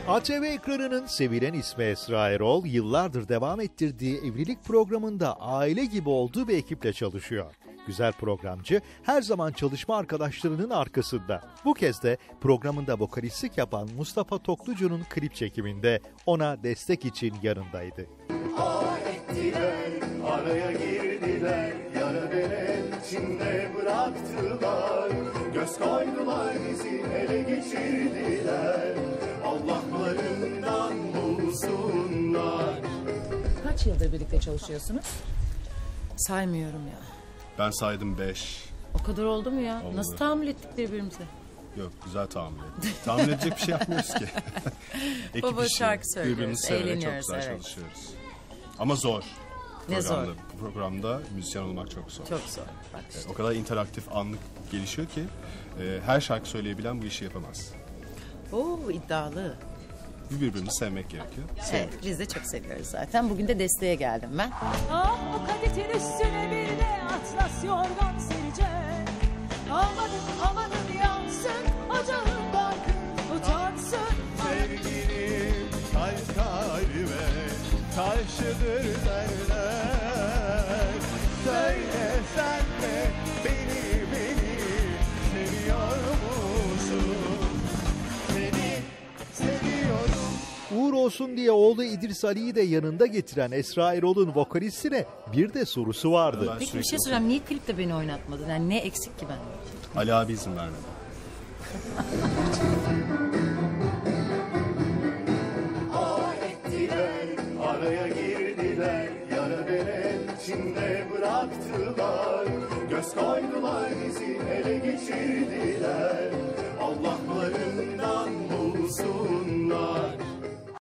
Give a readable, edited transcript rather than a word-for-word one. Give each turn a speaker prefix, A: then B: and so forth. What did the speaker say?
A: ATV ekranının sevilen ismi Esra Erol, yıllardır devam ettirdiği evlilik programında aile gibi olduğu bir ekiple çalışıyor. Güzel programcı her zaman çalışma arkadaşlarının arkasında. Bu kez de programında vokalistlik yapan Mustafa Toklucu'nun klip çekiminde ona destek için yanındaydı.
B: Ettiler, araya girdiler, yara beren içinde bıraktılar. Göz koydular bizi ele geçirdiler, Allah'larından bulsunlar.
C: Kaç yıldır birlikte çalışıyorsunuz? Saymıyorum ya.
D: Ben saydım 5.
C: O kadar oldu mu ya?
D: Oldu.
C: Nasıl tahammül ettik birbirimize?
D: Yok, güzel tahammül ettik. Tahammül edecek bir şey yapmıyoruz ki. Ekip
C: Baba
D: işi.
C: şarkı söylüyoruz,
D: Birbirimizi severek çok
C: eğleniyoruz,
D: güzel
C: evet.
D: çalışıyoruz. Ama zor.
C: Ne zor?
D: Bu programda müzisyen olmak çok zor.
C: Çok zor. Bak işte.
D: O kadar interaktif, anlık gelişiyor ki her şarkı söyleyebilen bu işi yapamaz.
C: Oo, iddialı.
D: Birbirimizi sevmek gerekiyor.
C: Evet, biz de çok seviyoruz zaten. Bugün de desteğe geldim ben.
E: Ah, bu kadetin üstüne bir de atlas yorgan sereceğim. Amanın yansın, ocağın barkın utansın.
B: Sevgilim kalp kalbe karşıdır derler. Söyle sen de beni seviyor musun? Seni seviyorum.
A: Uğur olsun diye oğlu İdris Ali'yi de yanında getiren Esra Erol'un vokalistine bir de sorusu vardı.
D: Ben
C: Peki bir
D: sürekli
C: şey soracağım. Niye klipte beni oynatmadın? Yani ne eksik ki ben?
D: Ali abi izin vermedi.
B: Ettiler, araya girdiler, yara beren içinde bıraktılar. Göz koydular bizi ele geçirdiler.